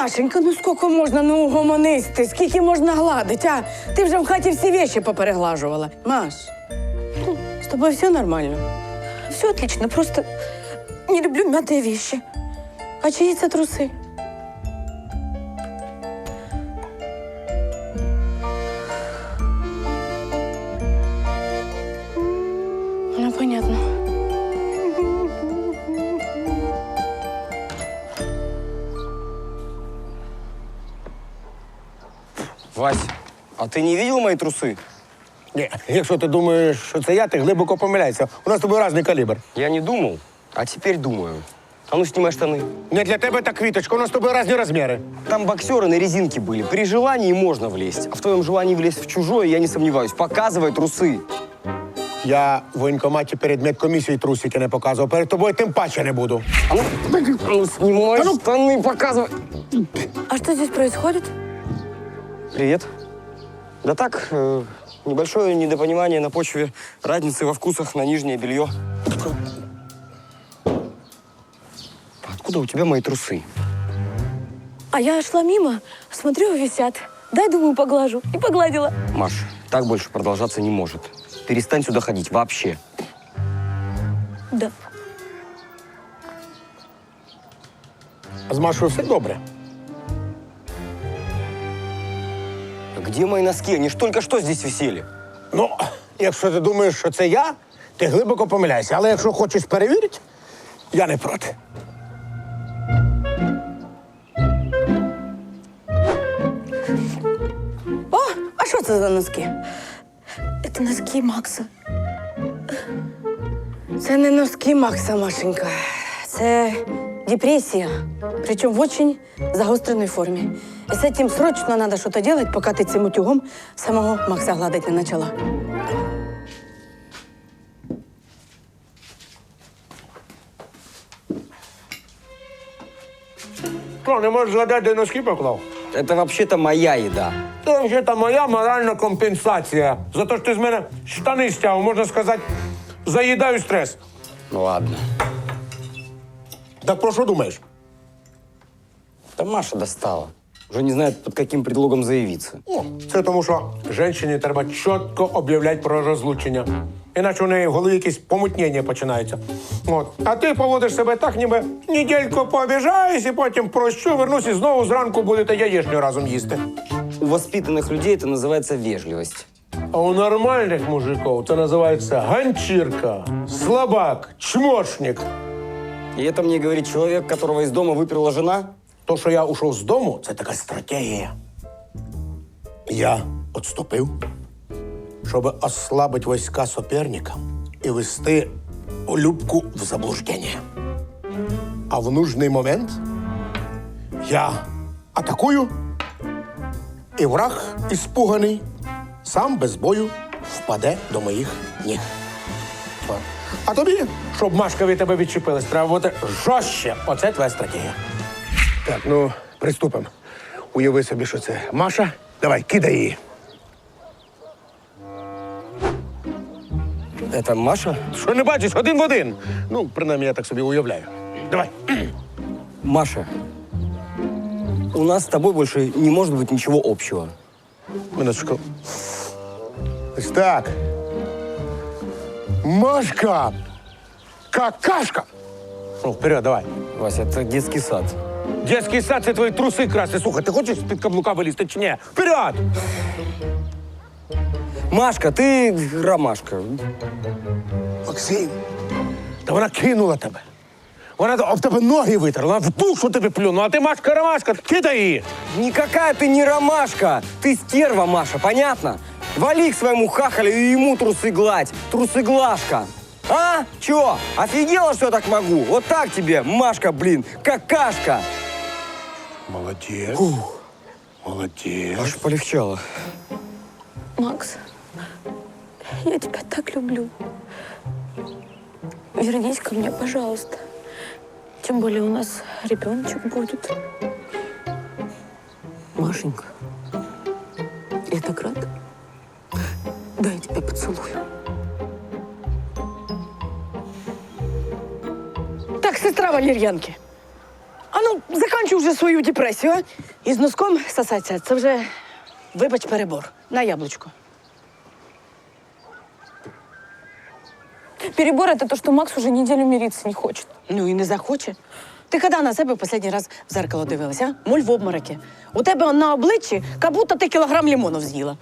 Машенька, ну скільки можна, ну угомонись ти, скільки можна гладити, а? Ти вже в хаті всі вещи попереглажувала. Маш, з тобою все нормально? Все отлично, просто не люблю мятые вещи. А чиї це труси? Ну, понятно. Вась, а ты не видел мои трусы? Ні, якщо ти думаєш, що це я, ти глибоко помиляєшся. У нас з тобою різний калібр. Я не думал, а теперь думаю. А ну, снимай штаны. Не для тебе та квіточка, у нас з тобою різні розміри. Там боксеры на резинке были. При желании можно влезть. А в твоем желании влезть в чужое, я не сомневаюсь. Показывай трусы. Я в воєнкоматі перед медкомісією трусики не показував. Перед тобою тим паче не буду. А ну снимай штаны, показывай. А что здесь происходит? Привет. Да так, небольшое недопонимание на почве разницы во вкусах на нижнее белье. Откуда у тебя мои трусы? А я шла мимо, смотрю, висят. Дай, думаю, поглажу. И погладила. Маш, так больше продолжаться не может. Перестань сюда ходить вообще. Да. З Машою все добре. Где мои носки? Они ж только что здесь висели. Ну, якщо ти думаєш, що це я, ти глибоко помиляєшся. Але якщо хочеш перевірити, я не проти. О, а що це за носки? Это носки Макса. Це не носки Макса, Машенька. Це депресія. Причому в очень загостреній формі. І з цим срочно треба щось робити, поки ти цим утюгом самого Макса гладити не почала. Що, не можеш згадати, де носки поклав? Это вообще-то моя еда. Це вже моя моральна компенсація. За те, що ти з мене штани стяв, можна сказати, заїдаю стрес. Ну ладно. Так про що думаєш? Да Маша достала. Уже не знает, под каким предлогом заявиться. О, це тому, що жінці треба чітко об'являти про розлучення. Іначе у неї в голові якесь помутнення починається. От. А ти поводиш себе так, ніби недільку пообіжаюсь, і потім прощу, вернусь і знову зранку будете яєчню разом їсти. У воспитанных людей это называется вежливость. А у нормальних мужиків це називається ганчірка, слабак, чмошник. И это мне говорит человек, которого из дома выперла жена? То, що я ушов з дому, це така стратегія. Я відступив, щоб ослабити війська суперника і вести Любку в заблуждення. А в нужний момент я атакую, і враг, іспуганий, сам без бою впаде до моїх ніг. А тобі, щоб Машка від тебе відчепилась, треба бути жорстче. Оце твоя стратегія. Так, ну, приступимо. Уяви собі, що це Маша. Давай, кидай її. Это Маша? Що не бачиш? Один в один. Ну, принаймні, я так собі уявляю. Давай. Маша, у нас с тобой больше не может быть ничего общего. Минуточку. Ось так. Машка! Какашка! Ну, вперед, давай. Вася, это детский сад. Детський сад – це твої труси красти. Слухай, ти хочеш з-під каблука вилізти чи ні? Вперед! Машка, ты ромашка. Максим, та вона кинула тебе. Вона об тебе ноги витерла, вона в душу тебе плюнула, а ти Машка-ромашка, кидай її. Никакая ты не ромашка. Ты стерва, Маша, понятно? Вали к своему хахалю и ему трусы гладь. Трусы-глажка. А? Чё? Офигела, что я так могу? Вот так тебе, Машка, блин, какашка. Молодець. Молодець. Аж полегчало. Макс, я тебя так люблю. Вернись ко мне, пожалуйста. Тем более у нас ребеночек будет. Машенька, я так рада. Дай я тебя поцелую. Так, сестра Валер'янки. А ну, заканчуй вже свою депресію, а? І з носком сосаться, це вже, вибач, перебор. На яблучко. Перебор – это то, что Макс уже неделю мириться не хочет. Ну і не захоче. Ти коли на себе в останній раз в зеркало дивилася, а? Моль в обмороки. У тебе на обличчі, як будто ти кілограм лимонів з'їла.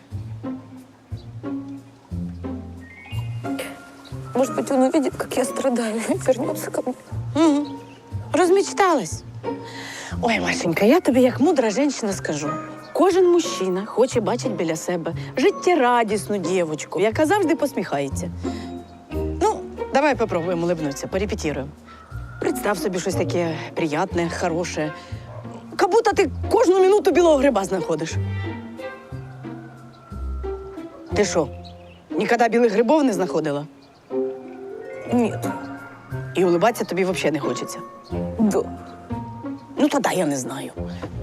Может быть, он увидит, как я страдаю, и вернется ко мне. Угу. Розмечталась. Ой, Машенька, я тобі як мудра жінка скажу. Кожен мужчина хоче бачити біля себе життєрадісну дівчинку, яка завжди посміхається. Ну, давай попробуємо улыбнутися, порепетируємо. Представ собі щось таке приятне, хороше. Как будто ти кожну минуту білого гриба знаходиш. Ти що, ніколи білих грибов не знаходила? Нет. І улыбатися тобі взагалі не хочеться? Да. Ну, тоді я не знаю.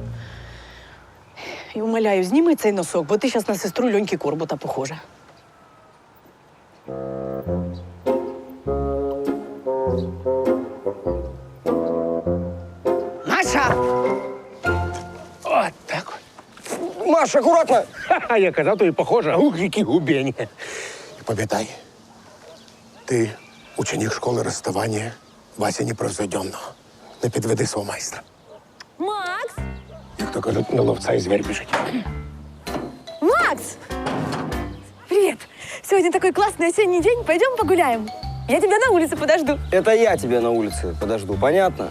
І умоляю, зніми цей носок, бо ти зараз на сестру Льоньки Корбута похожа. Маша! От так. Маша, аккуратно! Ха-ха, я казав, тобі похоже. Ух, які губені. І пам'ятай, ти ученик школи розставання Вася Непровзойденного. Не підведи свого майстра. Макс! Як то кажуть, на ловця і звір біжить. Макс! Привет! Сегодня такой классный осенний день. Пойдем погуляем. Я тебя на улице подожду. Это я тебя на улице подожду, понятно?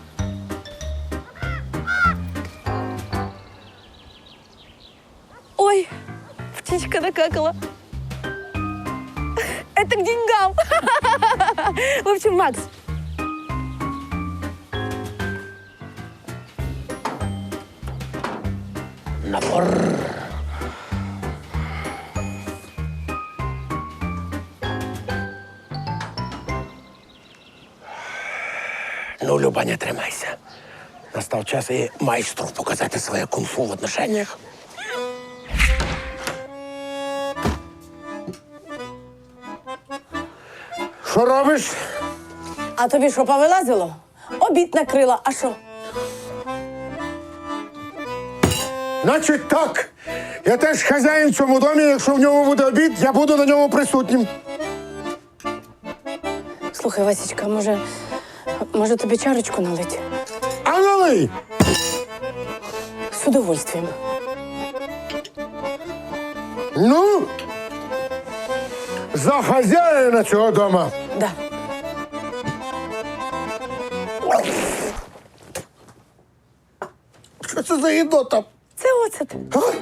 Ой, птичка накакала. Это к деньгам. В общем, Макс, Напор. Ну, Люба, не тримайся. Настав час і майстру показати своє кунг-фу в отношеннях. Що робиш? А тобі що, повилазило? Обід накрила, а що? Значить так. Я теж хазяїн в цьому домі. Якщо в ньому буде обід, я буду на ньому присутнім. Слухай, Васечка, може тобі чарочку налить? А налий! З удовольствием. Ну, за хазяїна цього дома. Да. Що це за їдота? Це оцет.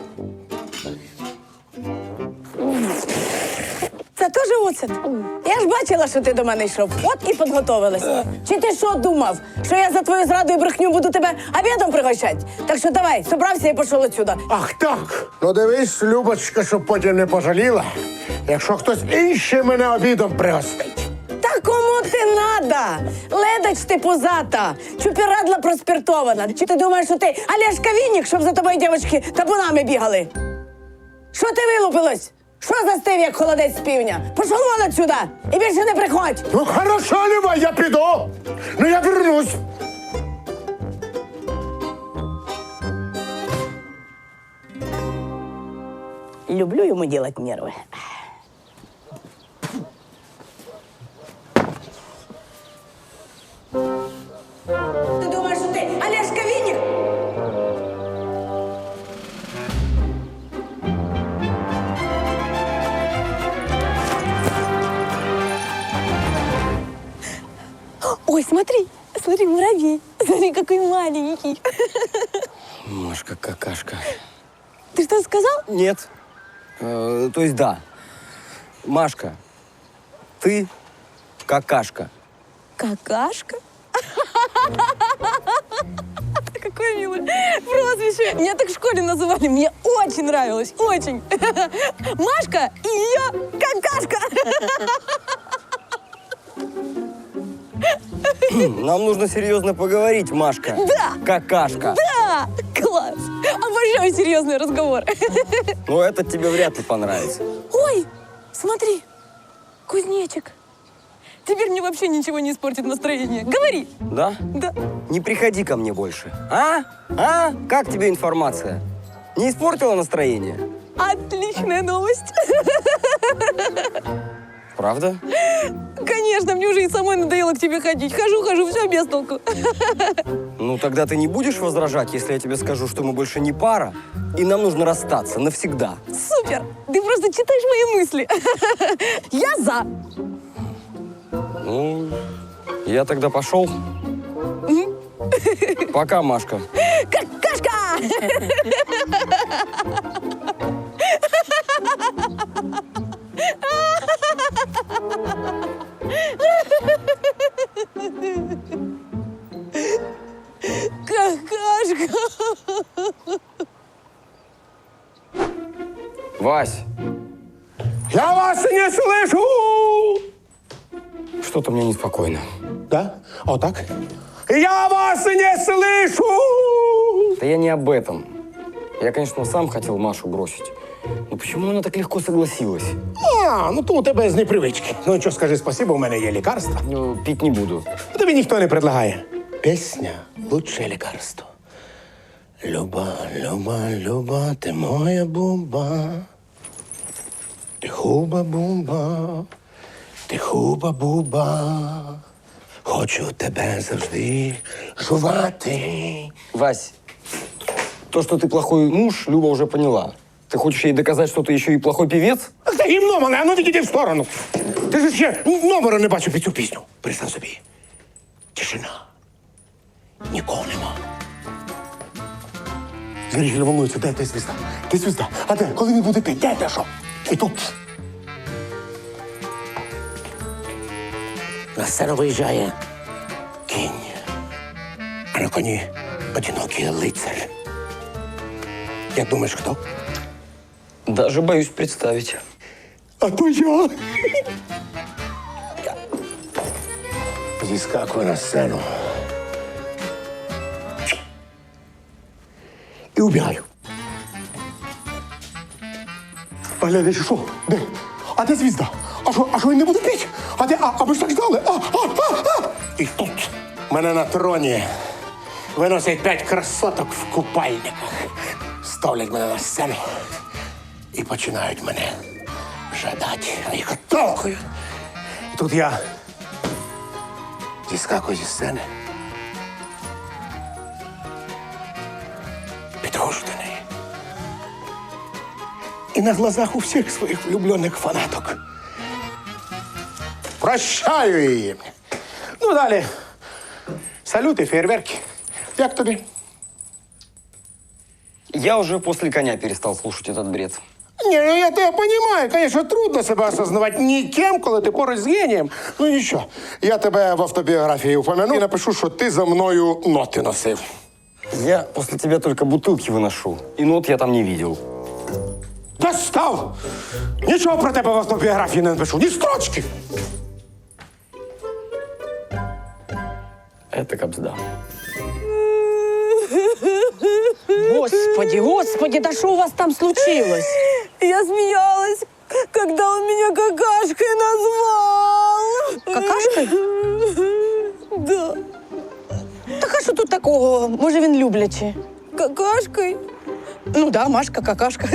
Це теж оцет. Я ж бачила, що ти до мене йшов. От і підготовилась. Чи ти що думав, що я за твою зраду і брехню буду тебе обідом пригощати? Так що давай, собрався і пішов отсюда. Ах так. Ну дивись, Любочка, щоб потім не пожаліла, якщо хтось інший мене обідом пригостить. Та кому ти надо? Ледач ти пузата, чупірадла проспіртована. Чи ти думаєш, що ти Олешка Вінник, щоб за тобою дівчатки табунами бігали? Що ти вилупилась? Що застив, як холодець з півня? Пішов вон отсюда і більше не приходь. Ну хорошо, Люба, я піду. Ну я вернусь. Люблю йому делать нерви. Ти думаєш, що ти Олешка Вінник? ой, смотри, смотри, муравей. Смотри, какой маленький. Машка, какашка. Ты что сказал? Нет. То есть да. Машка, ты какашка. Какашка? Какое милое прозвище. Меня так в школе называли. Мне очень нравилось. Очень. Машка и ее какашка. Нам нужно серьезно поговорить, Машка. Да. Какашка. Да, класс. Обожаю серьезные разговоры. Но это тебе вряд ли понравится. Ой, смотри, кузнечик. Теперь мне вообще ничего не испортит настроение. Говори. Да? Да. Не приходи ко мне больше. А? А? Как тебе информация? Не испортила настроение? Отличная новость. Правда? Конечно, мне уже и самой надоело к тебе ходить. Хожу, все без толку. Ну, тогда ты не будешь возражать, если я тебе скажу, что мы больше не пара, и нам нужно расстаться навсегда. Супер! Ты просто читаешь мои мысли. Я за. Ну, я тогда пошел. Пока, Машка. Какашка! Какашка! Вась, Я вас не слышу! что-то мне неспокойно. Да? Вот так? Я вас не слышу! Да я не об этом. Я, конечно, сам хотел Машу бросить. Но почему она так легко согласилась? Ну то у тебе з непривички. Ну нічого, скажи спасибо, у мене є лікарство. Ну, пить не буду. Тобі ніхто не предлагає. Пісня – лучше лікарство. Люба, люба, люба, ти моя буба. Ти хуба-буба, ти хуба-буба. Хочу тебе завжди жувати. Вась, то, что ты плохой муж, Люба уже поняла. Ты хочешь ей доказать, что ты еще и плохой певец? Ах ти гімно мене, а ну відійди в сторону. Ти ж ще номеру не бачив під цю пісню. Представ собі. Тишина. Нікого нема. Зритель волнується, де звізда? Де звізда? А де? Коли він буде піти? Де що? І тут. На сцену виїжджає кінь. А на коні одинокий лицар. Як думаєш, хто? Даже боюсь представить. А то я. Зіскакую на сцену. І убігаю. А глядачі, що? Де? А де звізда? А що він не буде піти? А де? А ми ж так ждали? І тут мене на троні виносять 5 красоток в купальниках. Ставлять мене на сцену і починають мене жадати. А їх отталкую. І тут я зіскакую зі сцени. Підходжу до неї. І на глазах у всіх своїх влюблених фанаток прощаю її. Ну, далі. Салюти, фейерверки. Як тобі? Я уже после коня перестал слушать этот бред. Не, ну я тебя понимаю, конечно, трудно себе осознавати ніким, коли ти поруч з генієм. Ну нічого, я тебе в автобіографії упомяну і напишу, що ти за мною ноти носив. Я после тебя только бутылки выношу. И нот я там не видел. Достав! Нічого про тебе в автобіографії не напишу, ні строчки. Это кабзда. Господи, да что у вас там случилось? Я смеялась, когда он меня какашкой назвал. Какашкой? Да. Так а що тут такого? Може, він люблячий? Какашкой? Ну да, Машка, какашка.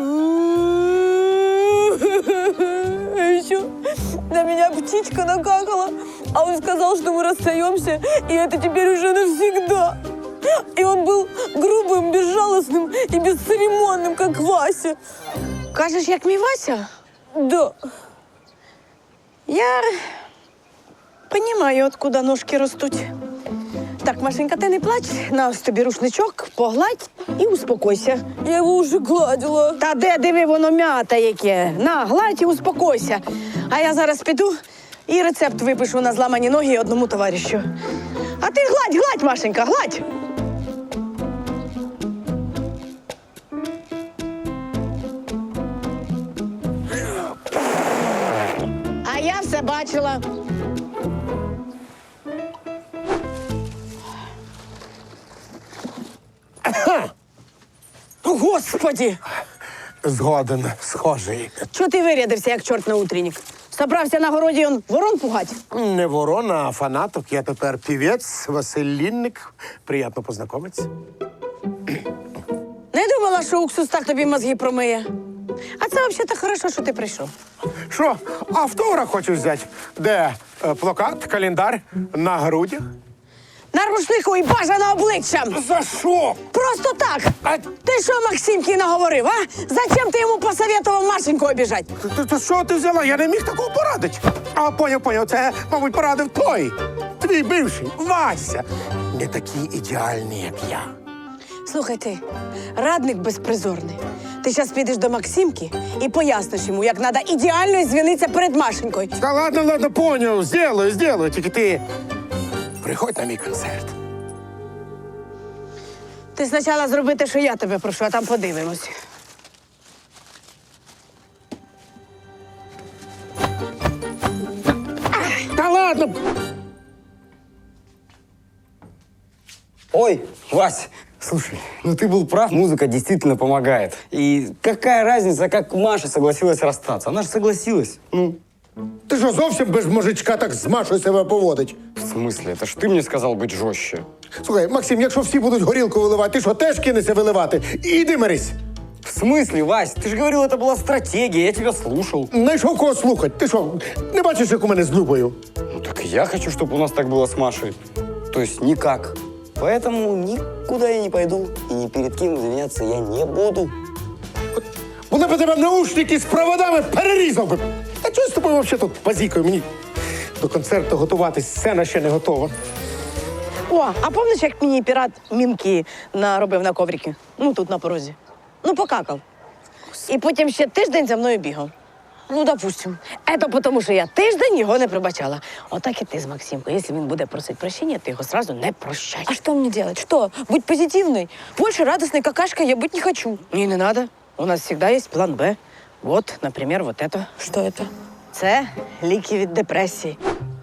А еще на меня птичка накакала, а он сказал, что мы расстаемся, и это теперь уже навсегда. И он был грубым, безжалостным и бесцеремонным, как Вася. Кажеш, як мій Вася? Да. Я понимаю, откуда ножки ростуть. Так, Машенька, ти не плач, на ось тобі рушничок, погладь і успокойся. Я его уже гладила. Та де, диви, воно м'ята яке. На, гладь і успокойся. А я зараз піду і рецепт випишу на зламані ноги одному товаришу. А ти гладь, Машенька, гладь. А я все бачила. Господи! Згоден, схожий. Чого ти вирядився, як чорт на утренник? З Собрався на городі он ворон пугать? Не ворона, а фанаток. Я тепер півець Василь Лінник. Приємно познайомитися. Не думала, що уксус так тобі мозги промиє. А це взагалі хорошо, що ти прийшов. Що, автограф хочеш взяти? Де плакат, календар на грудях? На рушнику і бажано обличчям. За що? Просто так. А Ти що Максимки наговорив, а? Зачем ти йому посоветував Машеньку обіжать? то що ти взяла? Я не міг такого порадити. А, поняв. Це, мабуть, порадив той. Твій бивший, Вася. Не такий ідеальний, як я. Слухай ти, радник безпризорний. Ти зараз підеш до Максимки і поясниш йому, як треба ідеально звінитися перед Машенькою. Та ладно, поняв. Сделаю. Тільки ти приходь на мій концерт. Ти спочатку зроби те, що я тебе прошу, а там подивимось. Та ладно. Ой, Вась, слушай, ну ты был прав, музыка действительно помогает. И какая разница, как Маша согласилась расстаться? Она же согласилась. Ну, Ти що, зовсім без мужичка так з Машою себе поводить? в смысле? Это ж ты мне сказал быть жестче. Слухай, Максим, якщо всі будуть горілку виливати, ти що, теж кинешся виливати? Іди мирись. В смысле, Вась? Ты же говорил, это была стратегия, я тебя слушал. Знайшов кого слухати. Ти що, не бачиш, як у мене з Любою? Ну так и я хочу, чтобы у нас так было с Машей. То есть никак. Поэтому никуда я не пойду и ни перед кем извиняться я не буду. Вона б тебе наушники з проводами перерізав би. А чого з тобою взагалі тут базікою? Мені до концерту готуватись, сцена ще не готова. О, а пам'ятаєш, як мені пірат мінки наробив на коврики? Ну, тут на порозі. Ну, покакав. І потім ще тиждень за мною бігав. Ну, допустим. Это тому, що я тиждень його не пробачала. Отак і ти з Максимкою. Якщо він буде просити прощення, ти його сразу не прощай. А что мне делать? Что? Быть позитивной? Больше радостной какашкой я быть не хочу. Ні, не надо. У нас завжди є план Б. Вот, например, вот это. Что это? Це ліки від депресії.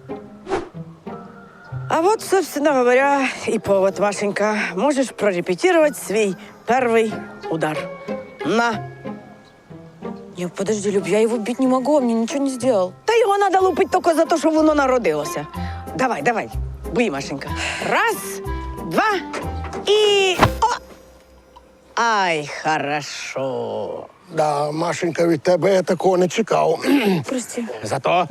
А вот, собственно говоря, и повод, Машенька. Можешь прорепетировать свой первый удар. На. Не, подожди, Люб, я его бить не могу, он мне ничего не сделал. Та його треба лупити тільки за те, що воно народилося. Давай, бий, Машенька. Раз, два і... О! Ай, хорошо. Да, Машенька, від тебе я такого не чекав. Прости. Зато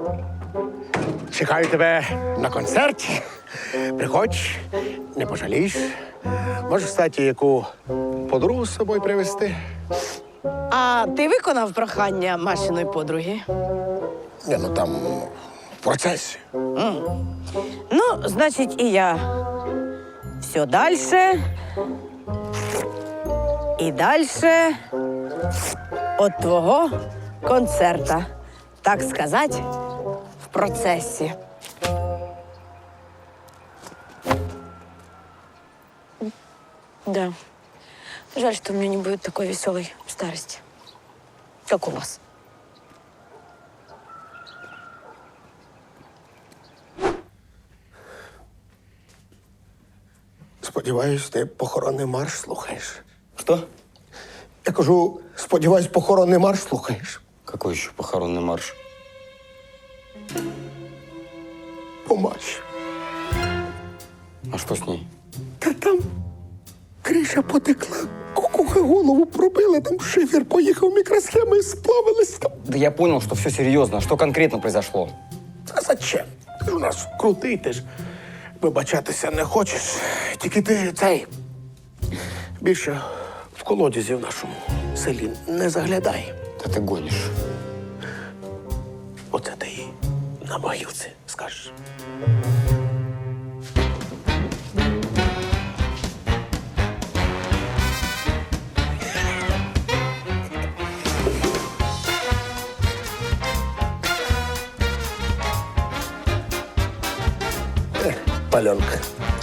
чекаю тебе на концерт. Приходь, не пожалієш. Можеш, кстати, яку подругу з собою привезти. А ти виконав прохання Машиної подруги? Ні, ну там в процесі. Ну, значить, і я. Все дальше. І дальше от твого концерта. Так сказати, в процесі. Да. Жаль, что у меня не будет такой веселой старости, как у вас. Сподіваюсь, ти похоронний марш слухаєш. Что? Я кажу, сподіваюсь, похоронний марш слухаєш. Какой еще похоронный марш? Помач. А что с ней? Та там криша потекла, кукуха голову пробила, там шифер поїхав, мікросхеми сплавились там. Да я понял, что все серьезно. Что конкретно произошло? А зачем? Ти ж у нас крутий, ти ж вибачатися не хочеш. Тільки ти цей більше в колодязі в нашому селі не заглядай. Да ты гонишь. Оце ти їй на могилці скажеш. Паленка.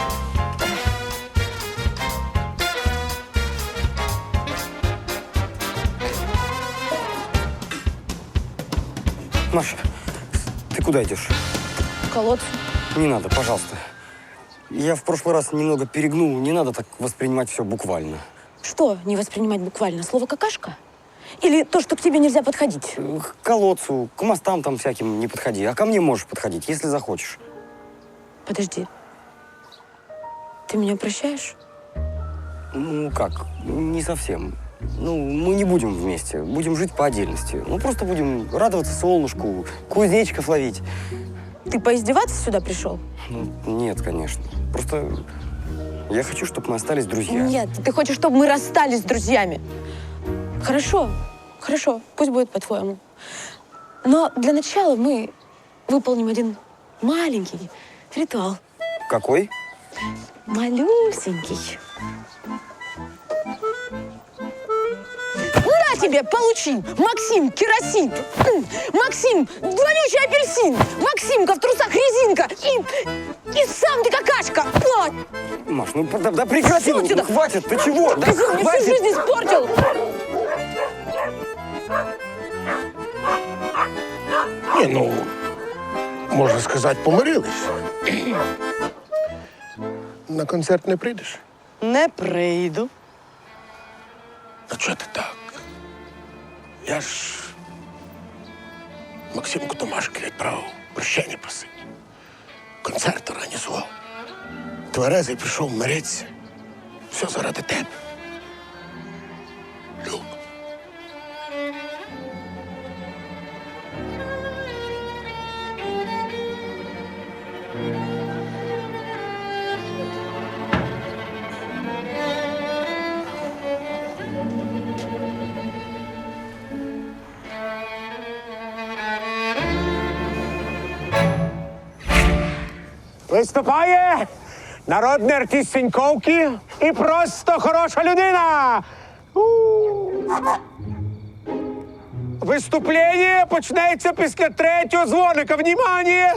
Маша, ты куда идешь? К колодцу. Не надо, пожалуйста. Я в прошлый раз немного перегнул. Не надо так воспринимать все буквально. Что не воспринимать буквально? Слово «какашка»? Или то, что к тебе нельзя подходить? К колодцу, к мостам там всяким не подходи. А ко мне можешь подходить, если захочешь. Подожди. Ты меня прощаешь? Ну как, не совсем. Ну, мы не будем вместе, будем жить по отдельности. Ну, просто будем радоваться солнышку, кузнечиков ловить. Ты поиздеваться сюда пришел? Ну, нет, конечно. Просто я хочу, чтобы мы остались друзья. Нет, ты хочешь, чтобы мы расстались с друзьями. Хорошо, хорошо, пусть будет по-твоему. Но для начала мы выполним один маленький ритуал. Какой? Малюсенький. На тебе, получи! Максим, керосин! Максим, вонючий апельсин! Максимка в трусах резинка! И сам ты какашка! Вот! Маш, ну да прекрати, Всё отсюда! хватит, ты чего? Да Ты мне всю хватит! жизнь испортил! Ні, ну, можна сказати, помирились. На концерт не прийдеш? Не прийду. А чого ти так? Я ж Максимку Томашки відправив прощення просить. Концерт організував. Тверезий пішов миритися. Все заради тебе. Люб. Виступає народний артист Сіньковки і просто хороша людина. Виступлення почнеться після третього дзвоника. Внимание!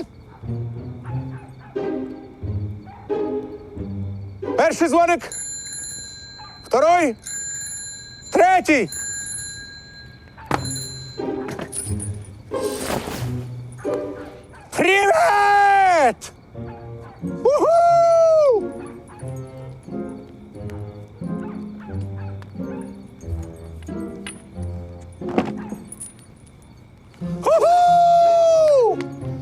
Перший дзвоник. Второй. Третій. Привет! Уху! Уху!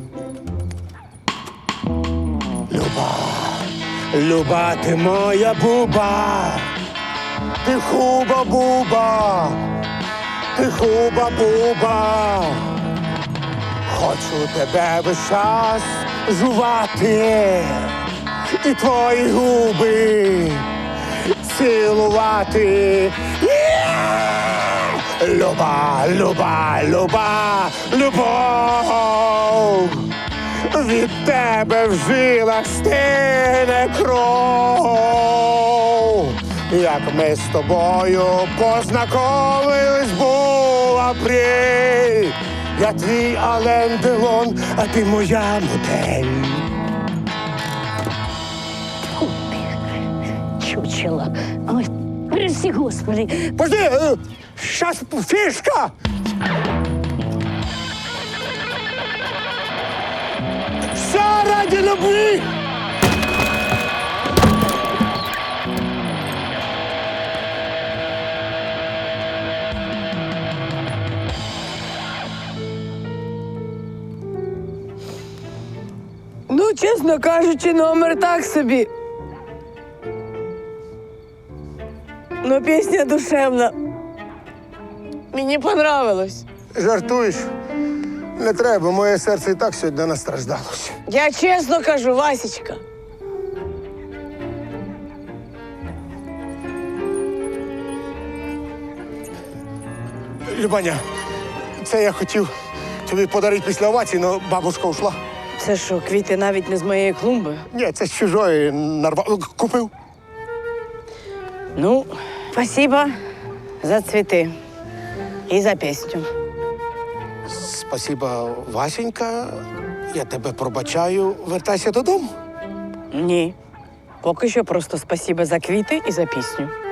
Люба, ти моя буба, ти хуба-буба, ти хуба-буба. Хочу тебе весь час жувати і твої губи цілувати. Люба, люба, люба, любов. Від тебе в жилах стине кров. Як ми з тобою познайомились, був апрель. Я твій Ален Делон, а ти моя модель. Чучело. Ой, прости, Господи. Подожди, сейчас фишка! Все ради любви! Ну, чесно кажучи, номер так собі. Но пісня душевна. Мені понравилось. Жартуєш? Не треба, моє серце і так сьогодні настраждалося. Я чесно кажу, Васечка. Любаня, це я хотів тобі подарити після овації, але бабушка ушла. Це що, квіти навіть не з моєї клумби? Ні, це з чужої нарвав. Купив. Ну, спасибо за цвіти і за пісню. Спасіба, Васенька. Я тебе пробачаю. Вертайся додому. Ні. Поки що просто спасибо за квіти і за пісню.